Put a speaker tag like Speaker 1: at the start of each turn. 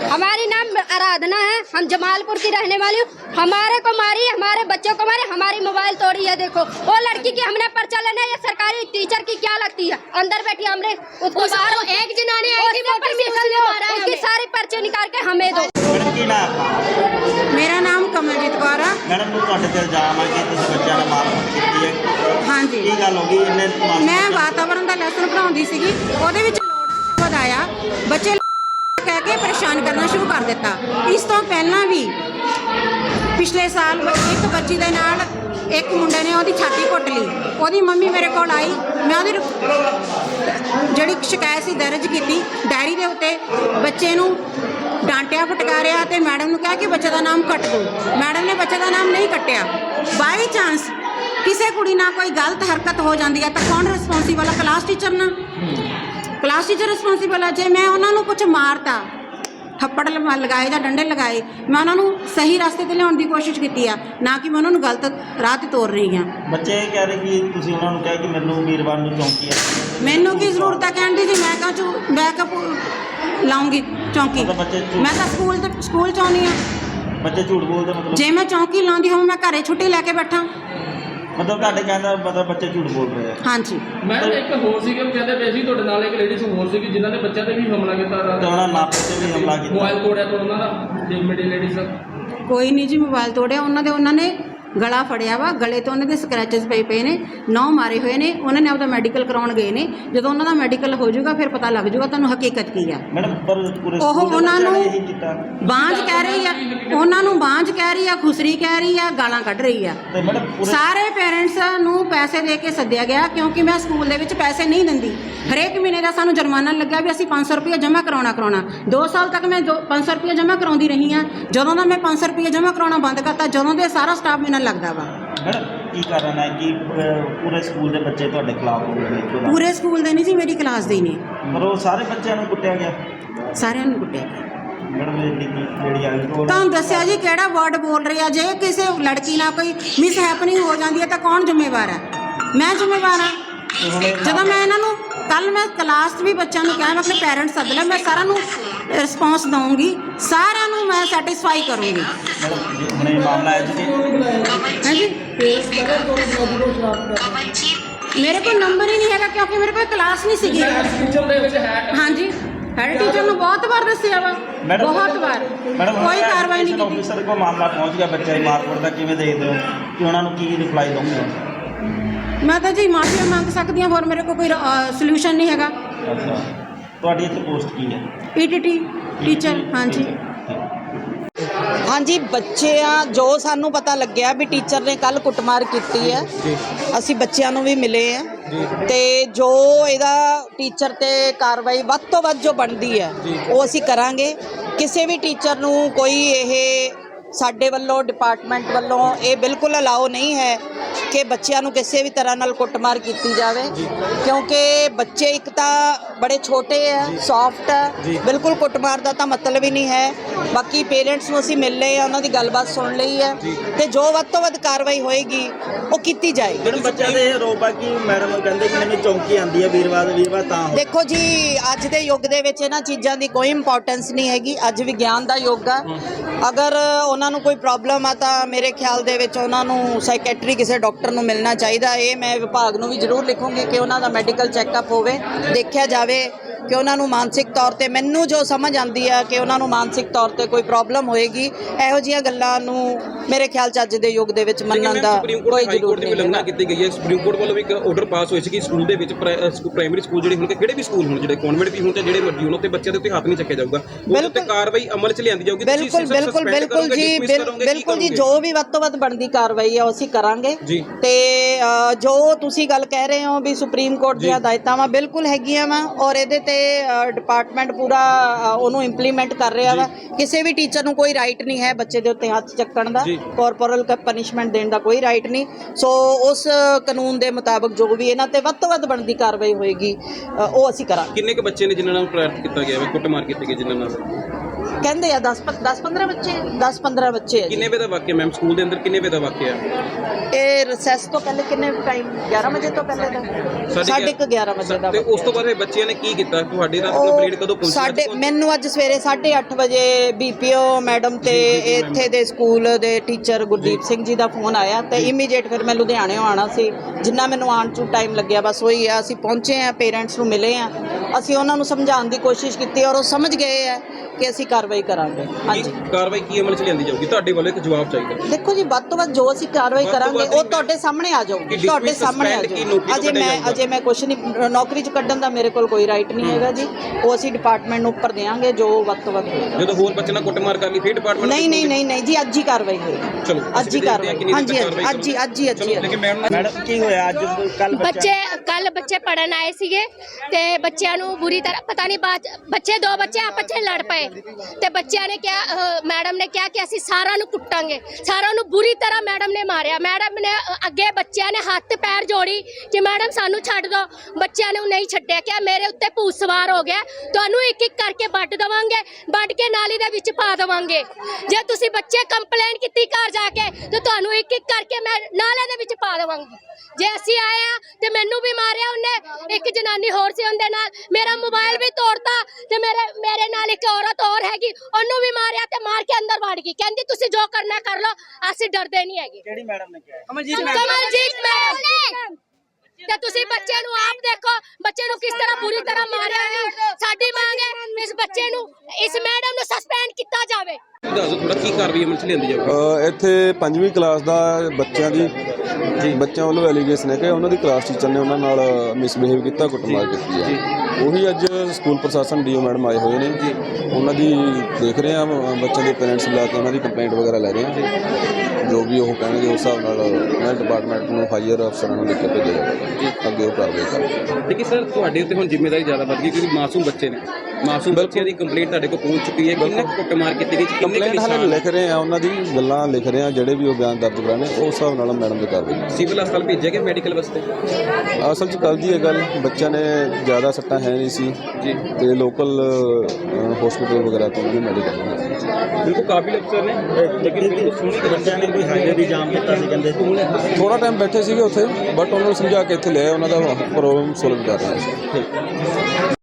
Speaker 1: हमारी नाम आराधना है, हम जमालपुर की रहने वाली हूँ। हमारे को मारी, हमारे बच्चों को मारी, हमारी मोबाइल तोड़ी है। देखो वो लड़की की हमने पर्चा लेना है, ये सरकारी टीचर की क्या लगती है? अंदर बैठी हमने उसको बाहर एक जनाने उसकी सारी पर्चे निकाल के हमें दो।
Speaker 2: मेरा नाम कमलजीत कौर है।
Speaker 3: मैडम ਨੂੰ ਤੁਹਾਡੇ ਤੇ ਇਲਜ਼ਾਮ ਹੈ ਕਿ ਤੁਸੀਂ ਬੱਚਿਆਂ ਨਾਲ ਮਾਰਕੁੱਟ ਕੀਤੀ ਹੈ।
Speaker 2: ਹਾਂਜੀ,
Speaker 3: ਕੀ ਗੱਲ ਹੋ ਗਈ? ਇਹਨੇ
Speaker 2: ਮੈਂ ਵਾਤਾਵਰਣ ਦਾ ਲੈਸਨ ਪੜਾਉਂਦੀ ਸੀਗੀ, ਉਹਦੇ ਵਿੱਚ ਲੋੜਾ ਸ਼ਬਦ ਆਇਆ, ਬੱਚੇ ਕਹਿ ਕੇ ਪਰੇਸ਼ਾਨ ਕਰਨਾ ਸ਼ੁਰੂ ਕਰ ਦਿੱਤਾ। ਇਸ ਤੋਂ ਪਹਿਲਾਂ ਵੀ ਪਿਛਲੇ ਸਾਲ ਇੱਕ ਬੱਚੀ ਦੇ ਨਾਲ ਇੱਕ ਮੁੰਡੇ ਨੇ ਉਹਦੀ ਛਾਤੀ ਘੁੱਟ ਲਈ। ਉਹਦੀ ਮੰਮੀ ਮੇਰੇ ਕੋਲ ਆਈ, ਮੈਂ ਉਹਦੀ ਜਿਹੜੀ ਸ਼ਿਕਾਇਤ ਸੀ ਦਰਜ ਕੀਤੀ ਡਾਇਰੀ ਦੇ ਉੱਤੇ। ਬੱਚੇ ਨੂੰ ਡਾਂਟਿਆ ਫਟਕਾਰਿਆ ਤੇ ਮੈਡਮ ਨੂੰ ਕਿਹਾ ਕਿ ਬੱਚੇ ਦਾ ਨਾਮ ਕੱਟ ਦਿਓ। ਮੈਡਮ ਨੇ ਬੱਚੇ ਦਾ ਨਾਮ ਨਹੀਂ ਕੱਟਿਆ। ਬਾਈ ਚਾਂਸ ਕਿਸੇ ਕੁੜੀ ਨਾਲ ਕੋਈ ਗਲਤ ਹਰਕਤ ਹੋ ਜਾਂਦੀ ਹੈ ਤਾਂ ਕੌਣ ਰਿਸਪੌਂਸੀਬਲ ਹੈ? ਕਲਾਸ ਟੀਚਰ ਨਾ। ਕਲਾਸ ਟੀਚਰ ਰਿਸਪੌਂਸੀਬਲ ਹੈ। ਜੇ ਮੈਂ ਉਹਨਾਂ ਨੂੰ ਕੁਝ ਮਾਰਤਾ, ਥੱਪੜ ਲਗਾਏ ਜਾਂ ਡੰਡੇ ਲਗਾਏ, ਮੈਂ ਉਹਨਾਂ ਨੂੰ ਸਹੀ ਰਸਤੇ ਤੇ ਲਿਆਉਣ ਦੀ ਕੋਸ਼ਿਸ਼ ਕੀਤੀ ਆ, ਨਾ ਕਿ ਮੈਂ ਉਹਨਾਂ ਨੂੰ ਗਲਤ ਰਾਹ ਤੇ ਤੋਰ ਰਹੀ ਹਾਂ।
Speaker 3: ਬੱਚੇ ਇਹ ਕਹਿ ਰਹੇ ਕਿ ਤੁਸੀਂ ਉਹਨਾਂ ਨੂੰ ਕਿਹਾ ਕਿ ਮੈਨੂੰ ਵੀਰਵਾਰ ਨੂੰ ਚੌਂਕੀ ਹੈ।
Speaker 2: ਮੈਨੂੰ ਕੀ ਜ਼ਰੂਰਤ ਹੈ ਕਹਿਣ ਦੀ ਜੀ? ਮੈਂ ਕਹਾਂ ਬੈਕਅਪ ਲਾਉਂਗੀ ਚੌਂਕੀ? ਮੈਂ ਤਾਂ ਸਕੂਲ ਚ ਆਉਂਦੀ ਹਾਂ।
Speaker 3: ਬੱਚੇ ਝੂਠ ਬੋਲਦੇ ਮਤਲਬ?
Speaker 2: ਜੇ ਮੈਂ ਚੌਂਕੀ ਲਾਉਂਦੀ ਹੋਵਾਂ ਮੈਂ ਘਰੇ ਛੁੱਟੀ ਲੈ ਕੇ ਬੈਠਾ।
Speaker 3: ਮਤਲਬ ਤੁਹਾਡੇ ਕਹਿੰਦਾ ਮਤਲਬ ਬੱਚੇ ਝੂਠ ਬੋਲ ਰਹੇ ਆ?
Speaker 2: ਹਾਂਜੀ।
Speaker 4: ਮੈਂ ਇੱਕ ਹੋਰ ਸੀਗੇ ਉਹ ਕਹਿੰਦੇ ਪਏ ਸੀ ਤੁਹਾਡੇ ਨਾਲ ਇੱਕ ਲੇਡੀਜ਼ ਹੋਰ ਸੀਗੀ ਜਿਨ੍ਹਾਂ ਦੇ ਬੱਚਿਆਂ ਤੇ ਵੀ ਹਮਲਾ ਕੀਤਾ
Speaker 3: ਤੇ ਉਹਨਾਂ ਮਾਪੇ ਤੇ ਵੀ ਹਮਲਾ ਕੀਤਾ,
Speaker 4: ਮੋਬਾਈਲ ਤੋੜਿਆ ਤੋਂ ਉਹਨਾਂ ਦਾ ਮੇਡੀ ਲੇਡੀਜ਼।
Speaker 2: ਕੋਈ ਨਹੀਂ ਜੀ ਮੋਬਾਈਲ ਤੋੜਿਆ ਉਹਨਾਂ ਨੇ ਗਲਾ ਫੜਿਆ ਵਾ, ਗਲੇ ਤੋਂ ਉਹਨਾਂ ਦੇ ਸਕ੍ਰੈਚਸ ਪਏ ਨੇ, 9 ਮਾਰੇ ਹੋਏ ਨੇ। ਉਹਨਾਂ ਨੇ ਆਪਦਾ ਮੈਡੀਕਲ ਕਰਾਉਣ ਗਏ ਨੇ। ਜਦੋਂ ਉਹਨਾਂ ਦਾ ਮੈਡੀਕਲ ਹੋ ਜਾਊਗਾ ਫਿਰ ਪਤਾ ਲੱਗ ਜਾਊਗਾ ਤੁਹਾਨੂੰ ਹਕੀਕਤ ਕੀ ਆ।
Speaker 3: ਮੈਡਮ ਪਰ ਪੂਰੇ
Speaker 2: ਉਹ
Speaker 3: ਸਕੂਲ ਦੇ
Speaker 2: ਉਹਨਾਂ
Speaker 3: ਬੱਚਿਆਂ ਨੇ
Speaker 2: ਨੂੰ
Speaker 3: ਇਹੀ ਕੀਤਾ
Speaker 2: ਬਾਂਝ ਕਹਿ ਰਹੀ ਆ, ਉਹਨਾਂ ਨੂੰ ਬਾਂਝ ਕਹਿ ਰਹੀ ਆ, ਖੁਸਰੀ ਕਹਿ ਰਹੀ ਆ, ਗਾਲਾਂ ਕੱਢ ਰਹੀ ਆ।
Speaker 3: ਤੇ ਮੈਡਮ ਪੂਰੇ
Speaker 2: ਸਾਰੇ ਪੇਰੈਂਟਸ ਨੂੰ ਪੈਸੇ ਦੇ ਕੇ ਸੱਦਿਆ ਗਿਆ ਕਿਉਂਕਿ ਮੈਂ ਸਕੂਲ ਦੇ ਵਿੱਚ ਪੈਸੇ ਨਹੀਂ ਦਿੰਦੀ। ਹਰੇਕ ਮਹੀਨੇ ਦਾ ਸਾਨੂੰ ਜੁਰਮਾਨਾ ਲੱਗਿਆ ਵੀ ਅਸੀਂ 500 ਰੁਪਏ ਜਮ੍ਹਾਂ ਕਰਾਉਣਾ। 2 ਸਾਲ ਤੱਕ ਮੈਂ 500 ਰੁਪਏ ਜਮ੍ਹਾਂ ਕਰਾਉਂਦੀ ਰਹੀ ਹਾਂ। ਜਦੋਂ ਦਾ ਮੈਂ 500 ਰੁਪਏ ਜਮ੍ਹਾਂ ਕਰਾਉਣਾ ਬੰਦ ਕਰਤਾ, ਜਦੋਂ ਦੇ ਸਾਰਾ ਸਟਾਫ ਮੇਰੇ ਨਾਲ ਲੱਗਦਾ ਵਾ।
Speaker 3: ਮੈਡਮ ਕੀ ਕਾਰਨ ਹੈ ਕਿ ਪੂਰੇ ਸਕੂਲ ਦੇ ਬੱਚੇ ਤੁਹਾਡੇ ਖਿਲਾਫ ਹੋ ਗਏ?
Speaker 2: ਪੂਰੇ ਸਕੂਲ ਦੇ ਨਹੀਂ ਜੀ, ਮੇਰੀ ਕਲਾਸ ਦੇ ਹੀ ਨੇ।
Speaker 3: ਪਰ ਉਹ ਸਾਰੇ ਬੱਚਿਆਂ ਨੂੰ ਕੁੱਟਿਆ ਗਿਆ?
Speaker 2: ਸਾਰਿਆਂ ਨੂੰ ਕੁੱਟਿਆ ਗਿਆ।
Speaker 3: ਮੈਡਮ ਜਿਹੜੀ ਆਈ ਉਹ
Speaker 2: ਤੁਹਾਨੂੰ ਦੱਸਿਆ ਜੀ ਕਿਹੜਾ ਵਰਡ ਬੋਲ ਰਹੀ ਆ। ਜੇ ਕਿਸੇ ਲੜਕੀ ਨਾਲ ਕੋਈ ਮਿਸ ਹੈਪਨਿੰਗ ਹੋ ਜਾਂਦੀ ਹੈ ਤਾਂ ਕੌਣ ਜ਼ਿੰਮੇਵਾਰ ਹੈ? ਮੈਂ ਜ਼ਿੰਮੇਵਾਰ ਹਾਂ। ਜਦੋਂ ਮੈਂ ਇਹਨਾਂ ਨੂੰ ਕੱਲ ਮੈਂ ਕਲਾਸ 'ਚ ਵੀ ਬੱਚਿਆਂ ਨੂੰ ਕਿਹਾ, ਮੈਂ ਆਪਣੇ ਪੈਰੈਂਟਸ ਸੱਦ ਲਿਆ, ਮੈਂ ਸਾਰਿਆਂ ਨੂੰ ਰਿਸਪੌਂਸ ਦਊਂਗੀ, ਸਾਰਿਆਂ ਨੂੰ ਮੈਂ ਸੈਟੀਸਫਾਈ ਕਰੂੰਗੀ।
Speaker 3: ਮੈਡਮ ਹੁਣ ਇਹ ਮਾਮਲਾ ਹੈ ਜੀ
Speaker 2: ਹਾਂਜੀ, ਮੇਰੇ ਕੋਲ ਨੰਬਰ ਹੀ ਨਹੀਂ ਹੈਗਾ ਕਿਉਂਕਿ ਮੇਰੇ ਕੋਲ ਕਲਾਸ ਨਹੀਂ ਸੀਗੀ।
Speaker 4: ਟੀਚਰ ਦੇ ਵਿੱਚ ਹੈ।
Speaker 2: ਹਾਂਜੀ, ਹੈਡ ਟੀਚਰ ਨੂੰ ਬਹੁਤ ਵਾਰ ਦੱਸਿਆ ਵਾ, ਬਹੁਤ ਵਾਰ, ਕੋਈ ਕਾਰਵਾਈ ਨਹੀਂ ਕੀਤੀ।
Speaker 3: ਆਫੀਸਰ ਕੋਲ ਮਾਮਲਾ ਪਹੁੰਚ ਗਿਆ ਬੱਚੇ ਮਾਰਕੁੱਟ ਦਾ, ਕਿਵੇਂ ਦੇਖਦੇ ਹੋ ਕਿ ਉਹਨਾਂ ਨੂੰ ਕੀ ਰਿਪਲਾਈ ਦਊਂਗੇ?
Speaker 2: ਮੈਂ ਤਾਂ ਜੀ ਮਾਫੀਆ ਮੰਗ ਸਕਦੀ ਹਾਂ, ਹੋਰ ਮੇਰੇ ਕੋਲ ਕੋਈ ਸੋਲੂਸ਼ਨ ਨਹੀਂ ਹੈਗਾ।
Speaker 3: ਅੱਛਾ, ਤੁਹਾਡੀ ਇੱਥੇ ਪੋਸਟ ਕੀ ਹੈ?
Speaker 2: ETT teacher. ਹਾਂਜੀ
Speaker 5: ਹਾਂਜੀ, ਬੱਚੇ ਆ ਜੋ ਸਾਨੂੰ ਪਤਾ ਲੱਗਿਆ ਵੀ ਟੀਚਰ ਨੇ ਕੱਲ ਕੁੱਟਮਾਰ ਕੀਤੀ ਹੈ। ਅਸੀਂ ਬੱਚਿਆਂ ਨੂੰ ਵੀ ਮਿਲੇ ਆ ਤੇ ਜੋ ਇਹਦਾ ਟੀਚਰ ਤੇ ਕਾਰਵਾਈ ਵੱਧ ਤੋਂ ਵੱਧ ਜੋ ਬਣਦੀ ਹੈ ਉਹ ਅਸੀਂ ਕਰਾਂਗੇ। ਕਿਸੇ ਵੀ ਟੀਚਰ ਨੂੰ ਕੋਈ ਇਹ ਸਾਡੇ ਵੱਲੋਂ ਡਿਪਾਰਟਮੈਂਟ ਵੱਲੋਂ ਇਹ ਬਿਲਕੁਲ ਅਲਾਓ ਨਹੀਂ ਹੈ ਕਿ ਬੱਚਿਆਂ ਨੂੰ ਕਿਸੇ ਵੀ ਤਰ੍ਹਾਂ ਨਾਲ ਕੁੱਟਮਾਰ ਕੀਤੀ ਜਾਵੇ, ਕਿਉਂਕਿ ਬੱਚੇ ਇੱਕ ਤਾਂ ਬੜੇ ਛੋਟੇ ਆ, ਸੌਫਟ ਆ, ਬਿਲਕੁਲ ਕੁੱਟਮਾਰ ਦਾ ਤਾਂ ਮਤਲਬ ਹੀ ਨਹੀਂ ਹੈ। ਬਾਕੀ ਪੇਰੈਂਟਸ ਨੂੰ ਅਸੀਂ ਮਿਲ ਲਏ ਆ, ਉਹਨਾਂ ਦੀ ਗੱਲਬਾਤ ਸੁਣ ਲਈ ਹੈ ਤੇ ਜੋ ਵੱਧ ਤੋਂ ਵੱਧ ਕਾਰਵਾਈ ਹੋਏਗੀ ਉਹ ਕੀਤੀ ਜਾਏਗੀ।
Speaker 3: ਮੈਡਮ ਬੱਚਿਆਂ ਦੇ ਆਰੋਪ ਆ ਕਿ ਮੈਡਮ ਕਹਿੰਦੇ ਕਿ ਮੈਨੂੰ ਚੌਂਕੀ ਆਉਂਦੀ ਹੈ ਵੀਰਵਾਰ ਤਾਂ।
Speaker 5: ਦੇਖੋ ਜੀ, ਅੱਜ ਦੇ ਯੁੱਗ ਦੇ ਵਿੱਚ ਇਹਨਾਂ ਚੀਜ਼ਾਂ ਦੀ ਕੋਈ ਇੰਪੋਰਟੈਂਸ ਨਹੀਂ ਹੈਗੀ। ਅੱਜ ਵਿਗਿਆਨ ਦਾ ਯੁੱਗ ਆ। ਅਗਰ ਉਹਨਾਂ ਨੂੰ ਕੋਈ ਪ੍ਰੋਬਲਮ ਆ ਤਾਂ ਮੇਰੇ ਖਿਆਲ ਦੇ ਵਿੱਚ ਉਹਨਾਂ ਨੂੰ ਸਾਈਕੈਟਰੀ ਕਿਸੇ ਡਾਕਟਰ ਨੂੰ ਮਿਲਣਾ ਚਾਹੀਦਾ। ਇਹ ਮੈਂ ਵਿਭਾਗ ਨੂੰ ਵੀ ਜ਼ਰੂਰ ਲਿਖੂੰਗੀ ਕਿ ਉਹਨਾਂ ਦਾ ਮੈਡੀਕਲ ਚੈੱਕਅਪ ਹੋਵੇ, ਦੇਖਿਆ ਜਾਵੇ ਕਿ ਉਹਨਾਂ ਨੂੰ ਮਾਨਸਿਕ ਤੌਰ ਤੇ, ਮੈਨੂੰ ਜੋ ਸਮਝ ਆਉਂਦੀ ਆ ਕਿ ਉਹਨਾਂ ਨੂੰ ਮਾਨਸਿਕ ਤੌਰ ਤੇ ਕੋਈ ਪ੍ਰੋਬਲਮ ਹੋਏਗੀ। ਇਹੋ ਜਿਹੀਆਂ ਗੱਲਾਂ ਨੂੰ ਮੇਰੇ ਖਿਆਲ 'ਚ ਅੱਜ ਦੇ ਯੁੱਗ ਦੇ ਵਿੱਚ ਮੰਨਣ ਦਾ ਕੋਈ ਜ਼ਰੂਰਤ ਨਹੀਂ।
Speaker 6: ਉਲੰਘਣਾ ਕੀਤੀ ਗਈ ਹੈ। ਸੁਪਰੀਮ ਕੋਰਟ ਵੱਲੋਂ ਵੀ ਇੱਕ ਆਰਡਰ ਪਾਸ ਹੋਇਆ ਸੀ ਕਿ ਸਕੂਲ ਦੇ ਵਿੱਚ ਪ੍ਰਾਇਮਰੀ ਸਕੂਲ ਜਿਹੜੇ ਹੋਣਗੇ, ਕਿਹੜੇ ਵੀ ਸਕੂਲ ਹੋਣ, ਜਿਹੜੇ ਕਨਵੈਂਟ ਵੀ ਹੋਣ ਤੇ ਜਿਹੜੇ ਮਰਜ਼ੀ ਹੋਣ, ਉੱਤੇ ਬੱਚਿਆਂ ਦੇ ਉੱਤੇ ਹੱਥ ਨਹੀਂ ਚੱਕਿਆ ਜਾਊਗਾ, ਉਹਦੇ ਉੱਤੇ ਕਾਰਵਾਈ ਅਮਲ 'ਚ ਲਿਆਂਦੀ ਜਾਊਗੀ।
Speaker 5: ਬਿਲਕੁਲ ਜੀ, ਜੋ ਵੀ ਵੱਧ ਤੋਂ ਵੱਧ ਬਣਦੀ ਕਾਰਵਾਈ ਆ ਉਹ ਅਸੀਂ ਕਰਾਂਗੇ। ਤੇ ਜੋ ਤੁਸੀਂ ਗੱਲ ਕਹਿ ਰਹੇ ਹੋ ਵੀ ਸੁਪਰੀਮ ਕੋਰਟ ਦੀਆਂ ਹਦਾਇਤਾਂ ਵਾ, ਬਿਲਕੁਲ ਹੈਗੀਆਂ ਵਾ ਔਰ ਇਹਦੇ ਤੇ ਡਿਪਾਰਟਮੈਂਟ ਪੂਰਾ ਉਹਨੂੰ ਇੰਪਲੀਮੈਂਟ ਕਰ ਰਿਹਾ ਵਾ। ਕਿਸੇ ਵੀ ਟੀਚਰ ਨੂੰ ਕੋਈ ਰਾਈਟ ਨਹੀਂ ਹੈ ਬੱਚੇ ਦੇ ਉੱਤੇ ਹੱਥ ਚੱਕਣ ਦਾ, ਕਾਰਪੋਰਲ ਪਨਿਸ਼ਮੈਂਟ ਦੇਣ ਦਾ ਕੋਈ ਰਾਈਟ ਨਹੀਂ। ਸੋ ਉਸ ਕਾਨੂੰਨ ਦੇ ਮੁਤਾਬਕ ਜੋ ਵੀ ਇਹਨਾਂ ਤੇ ਵੱਧ ਤੋਂ ਵੱਧ ਬਣਦੀ ਕਾਰਵਾਈ ਹੋਏਗੀ ਉਹ ਅਸੀਂ ਕਰਾਂਗੇ।
Speaker 6: ਕਿੰਨੇ ਕੁ ਬੱਚੇ ਨੇ ਜਿਨ੍ਹਾਂ ਨਾਲ ਪ੍ਰੇਰਿਤ ਕੀਤਾ ਗਿਆ ਹੈ, ਕੁੱਟਮਾਰ ਕੀਤੀ ਗਈ ਜਿਨ੍ਹਾਂ ਨਾਲ?
Speaker 5: ਕਹਿੰਦੇ ਆ 10-15 ਬੱਚੇ ਆ ਜੀ।
Speaker 6: ਕਿੰਨੇ ਵਜੇ ਦਾ ਵਾਕਿਆ ਮੈਮ ਸਕੂਲ ਦੇ ਅੰਦਰ ਕਿੰਨੇ ਵਜੇ ਦਾ ਵਾਕਿਆ
Speaker 5: ਇਹ ਰਿਸੈਸ ਤੋਂ ਪਹਿਲੇ ਕਿੰਨੇ ਟਾਈਮ 11 ਵਜੇ ਤੋਂ ਪਹਿਲੇ ਦਾ 11:30 ਵਜੇ ਦਾ
Speaker 6: ਤੇ ਉਸ ਤੋਂ ਬਾਅਦ ਇਹ ਬੱਚਿਆਂ ਨੇ ਕੀ ਕੀਤਾ ਤੁਹਾਡੇ ਤੱਕ ਕੰਪਲੀਟ ਕਦੋਂ ਪਹੁੰਚੀ?
Speaker 5: ਮੈਨੂੰ ਅੱਜ ਸਵੇਰੇ 8:30 ਵਜੇ ਬੀਪੀਓ ਮੈਡਮ ਤੇ ਇੱਥੇ ਦੇ ਸਕੂਲ ਦੇ ਟੀਚਰ ਗੁਰਦੀਪ ਸਿੰਘ ਜੀ ਦਾ ਫੋਨ ਆਇਆ ਤੇ ਇਮੀਡੀਏਟ ਫਿਰ ਮੈਂ ਲੁਧਿਆਣਿਓਂ ਆਉਣਾ ਸੀ, ਜਿੰਨਾ ਮੈਨੂੰ ਆਉਣ 'ਚ ਟਾਈਮ ਲੱਗਿਆ ਬਸ ਉਹੀ ਆ। ਅਸੀਂ ਪਹੁੰਚੇ ਆ, ਪੇਰੈਂਟਸ ਨੂੰ ਮਿਲੇ ਆ, ਅਸੀਂ ਉਹਨਾਂ ਨੂੰ ਸਮਝਾਉਣ ਦੀ ਕੋਸ਼ਿਸ਼ ਕੀਤੀ ਔਰ ਉਹ ਸਮਝ ਗਏ ਆ ਕਿ ਅਸੀਂ ਕਾਰਵਾਈ ਕਰਾਂਗੇ। ਹਾਂਜੀ,
Speaker 6: ਕਾਰਵਾਈ ਕੀ ਅਮਲ 'ਚ ਲਿਆਂਦੀ ਜਾਊਗੀ? ਤੁਹਾਡੇ ਵੱਲੋਂ ਇੱਕ ਜਵਾਬ ਚਾਹੀਦਾ।
Speaker 5: ਦੇਖੋ ਜੀ, ਵੱਧ ਤੋਂ ਵੱਧ ਜੋ ਅਸੀਂ ਕਾਰਵਾਈ ਕਰਾਂਗੇ ਉਹ ਤੁਹਾਡੇ ਸਾਹਮਣੇ ਆ ਜਾਊਗੀ, ਤੁਹਾਡੇ ਸਾਹਮਣੇ ਆ ਜਾਊਗੀ। ਅਜੇ ਮੈਂ ਕੁਛ ਨਹੀਂ, ਨੌਕਰੀ 'ਚ ਕੱਢਣ ਦਾ ਮੇਰੇ ਕੋਲ ਕੋਈ ਰਾਈਟ ਨਹੀਂ ਹੈਗਾ ਜੀ, ਉਹ ਅਸੀਂ ਡਿਪਾਰਟਮੈਂਟ ਨੂੰ ਉੱਪਰ ਦੇਵਾਂਗੇ ਜੋ ਵੱਧ ਤੋਂ ਵੱਧ ਹੋਏਗਾ।
Speaker 6: ਜਦੋਂ ਹੋਰ ਬੱਚੇ ਨਾਲ ਕੁੱਟਮਾਰ ਕਰ ਲਈ ਫਿਰ ਡਿਪਾਰਟਮੈਂਟ
Speaker 5: ਨਹੀਂ ਜੀ, ਅੱਜ ਹੀ ਕਾਰਵਾਈ ਹੋਏਗੀ।
Speaker 6: ਚਲੋ
Speaker 5: ਅੱਜ ਹੀ ਕਾਰਵਾਈ, ਹਾਂਜੀ ਅੱਜ ਹੀ
Speaker 3: ਮੈਡਮ ਕੀ ਹੋਇਆ ਅੱਜ ਕੱਲ
Speaker 1: ਕੱਲ ਬੱਚੇ ਪੜਨ ਆਏ ਸੀਗੇ ਤੇ ਬੱਚਿਆਂ ਨੂੰ ਬੁਰੀ ਤਰ੍ਹਾਂ ਪਤਾ ਨਹੀਂ ਬੱਚੇ ਦੋ ਬੱਚੇ ਆਪਸ ਵਿੱਚ ਲੜ ਪਏ ਤੇ ਬੱਚਿਆਂ ਨੇ ਕਿਹਾ, ਮੈਡਮ ਨੇ ਕਿਹਾ ਕਿ ਅਸੀਂ ਸਾਰਿਆਂ ਨੂੰ ਕੁੱਟਾਂਗੇ। ਸਾਰਿਆਂ ਨੂੰ ਬੁਰੀ ਤਰ੍ਹਾਂ ਮੈਡਮ ਨੇ ਮਾਰਿਆ। ਮੈਡਮ ਨੇ ਅੱਗੇ ਬੱਚਿਆਂ ਨੇ ਹੱਥ ਪੈਰ ਜੋੜੀ ਕਿ ਮੈਡਮ ਸਾਨੂੰ ਛੱਡ ਦਿਓ। ਬੱਚਿਆਂ ਨੂੰ ਨਹੀਂ ਛੱਡਿਆ, ਕਿ ਮੇਰੇ ਉੱਤੇ ਭੂਤ ਸਵਾਰ ਹੋ ਗਿਆ, ਤੁਹਾਨੂੰ ਇੱਕ ਇੱਕ ਕਰਕੇ ਵੱਢ ਦੇਵਾਂਗੇ, ਵੱਢ ਕੇ ਨਾਲੀ ਦੇ ਵਿੱਚ ਪਾ ਦੇਵਾਂਗੇ। ਜੇ ਤੁਸੀਂ ਬੱਚੇ ਕੰਪਲੇਂਟ ਕੀਤੀ ਘਰ ਜਾ ਕੇ ਤੇ ਤੁਹਾਨੂੰ ਇੱਕ ਇੱਕ ਕਰਕੇ ਮੈਂ ਨਾਲੇ ਦੇ ਵਿੱਚ ਪਾ ਦੇਵਾਂਗੀ। ਜੇ ਅਸੀਂ ਆਏ ਆ ਤੇ ਮੈਨੂੰ ਵੀ ਮਾਰਿਆ ਉਹਨੇ, ਇੱਕ ਜਨਾਨੀ ਹੋਰ ਸੀ ਉਹਦੇ ਨਾਲ, ਮੇਰਾ ਮੋਬਾਈਲ ਵੀ ਤੋੜਤਾ ਤੇ ਮੇਰੇ ਨਾਲ ਇੱਕ ਔਰਤ ਹੋਰ ਹੈਗੀ, ਉਹਨੂੰ ਵੀ ਮਾਰਿਆ ਤੇ ਮਾਰ ਕੇ ਅੰਦਰ ਵੜ ਗਈ। ਕਹਿੰਦੀ ਤੁਸੀਂ ਜੋ ਕਰਨਾ ਕਰ ਲਓ, ਅਸੀਂ ਡਰਦੇ ਨਹੀਂ ਹੈਗੇ।
Speaker 3: ਕਿਹੜੀ ਮੈਡਮ ਨੇ ਕਿਹਾ?
Speaker 1: ਕਮਲਜੀਤ ਮੈਡਮ ਨੇ। ਤੇ ਤੁਸੀਂ ਬੱਚੇ ਨੂੰ ਆਪ ਦੇਖੋ, ਬੱਚੇ ਨੂੰ ਕਿਸ ਤਰ੍ਹਾਂ ਬੁਰੀ ਤਰ੍ਹਾਂ ਮਾਰਿਆ ਹੈ। ਸਾਡੀ ਮੰਗ ਹੈ ਇਸ ਬੱਚੇ ਨੂੰ, ਇਸ ਮੈਡਮ ਨੂੰ ਸਸਪੈਂਡ ਕੀਤਾ ਜਾਵੇ।
Speaker 6: ਦੱਸੋ ਥੋੜਾ ਕੀ ਕਾਰਵਾਈ ਅਮਲ 'ਚ ਲਿਆਂਦੀ ਜਾਊਗੀ?
Speaker 7: ਇੱਥੇ 5ਵੀਂ ਕਲਾਸ ਦਾ ਬੱਚਿਆਂ ਵੱਲੋਂ ਐਲੀਗੇਸ਼ਨ ਹੈ ਕਿ ਉਹਨਾਂ ਦੀ ਕਲਾਸ ਟੀਚਰ ਨੇ ਉਹਨਾਂ ਨਾਲ ਮਿਸਬਿਹੇਵ ਕੀਤਾ, ਕੁੱਟਮਾਰ ਕੀਤੀ ਹੈ। ਉਹੀ ਅੱਜ ਸਕੂਲ ਪ੍ਰਸ਼ਾਸਨ ਡੀਓ ਮੈਡਮ ਆਏ ਹੋਏ ਨੇ ਜੀ, ਉਹਨਾਂ ਦੀ ਦੇਖ ਰਹੇ ਆ, ਬੱਚਿਆਂ ਦੇ ਪੇਰੈਂਟਸ ਬੁਲਾ ਕੇ ਉਹਨਾਂ ਦੀ ਕੰਪਲੇਂਟ ਵਗੈਰਾ ਲੈ ਰਹੇ ਆ। ਜੋ ਵੀ ਉਹ ਕਹਿਣਗੇ ਉਸ ਹਿਸਾਬ ਨਾਲ ਮੈਂ ਡਿਪਾਰਟਮੈਂਟ ਨੂੰ ਹਾਇਰ ਅਫਸਰਾਂ ਨੂੰ ਲਿਖ ਕੇ ਭੇਜਿਆ ਜਾਵੇਗਾ ਜੀ, ਅੱਗੇ ਉਹ ਕਾਰਵਾਈ ਕਰਨਗੇ।
Speaker 6: ਲੇਕਿਨ ਸਰ ਤੁਹਾਡੇ ਉੱਤੇ ਹੁਣ ਜ਼ਿੰਮੇਵਾਰੀ ਜ਼ਿਆਦਾ ਵੱਧ ਗਈ ਕਿਉਂਕਿ ਮਾਸੂਮ ਬੱਚੇ ਨੇ, ਮਾਸੂਮ ਬੱਚਿਆਂ ਦੀ ਕੰਪਲੇਂਟ ਤੁਹਾਡੇ ਕੋਲ ਪਹੁੰਚ ਚੁੱਕੀ ਹੈ। ਕਿੰਨੇ ਕੁੱਟਮਾਰ ਕੀਤੀ ਗਈ,
Speaker 7: ਕੰਪਲੇਂਟ ਹਾਲੇ ਲਿਖ ਰਹੇ ਆ, ਉਹਨਾਂ ਦੀ ਗੱਲਾਂ ਲਿਖ ਰਹੇ ਆ, ਜਿਹੜੇ ਵੀ ਉਹ ਬਿਆਨ ਦਰਜ ਕਰਾਣੇ ਉਸ ਹਿਸਾਬ ਨਾਲ ਮੈਡਮ ਦੇ ਕਾਰਵਾਈ।
Speaker 6: ਸਿਵਲ ਹਸਪਤਾਲ ਭੇਜਿਆ ਗਿਆ ਮੈਡੀਕਲ ਵਾਸਤੇ?
Speaker 7: ਅਸਲ 'ਚ ਕੱਲ੍ਹ ਦੀ ਇਹ ਗੱਲ, ਬੱਚਿਆਂ ਨੇ ਜ਼ਿਆਦਾ ਸੱਟਾਂ ਹੈ ਨਹੀਂ ਸੀ
Speaker 6: ਜੀ
Speaker 7: ਤੇ ਲੋਕਲ ਹਸਪੀਟਲ ਵਗੈਰਾ ਤੋਂ ਵੀ ਮੈਡੀਕਲ
Speaker 6: ਬਿਲਕੁਲ ਕਾਬਿਲ ਅਫਸਰ ਨੇ, ਲੇਕਿਨ ਬਿਲਕੁਲ ਸੋਹਣੀ
Speaker 3: ਬੱਚਿਆਂ ਨੇ ਕੋਈ ਹਾਈਵੇ ਵੀ ਜਾਮ ਕੀਤਾ ਸੀ ਕਹਿੰਦੇ।
Speaker 7: ਥੋੜਾ ਟਾਈਮ ਬੈਠੇ ਸੀਗੇ ਉੱਥੇ, ਬਟ ਉਹਨਾਂ ਨੂੰ ਸਮਝਾ ਕੇ ਇੱਥੇ ਲਿਆਏ, ਉਹਨਾਂ ਦਾ ਪ੍ਰੋਬਲਮ ਸੋਲਵ ਕਰ ਰਹੇ ਸੀ।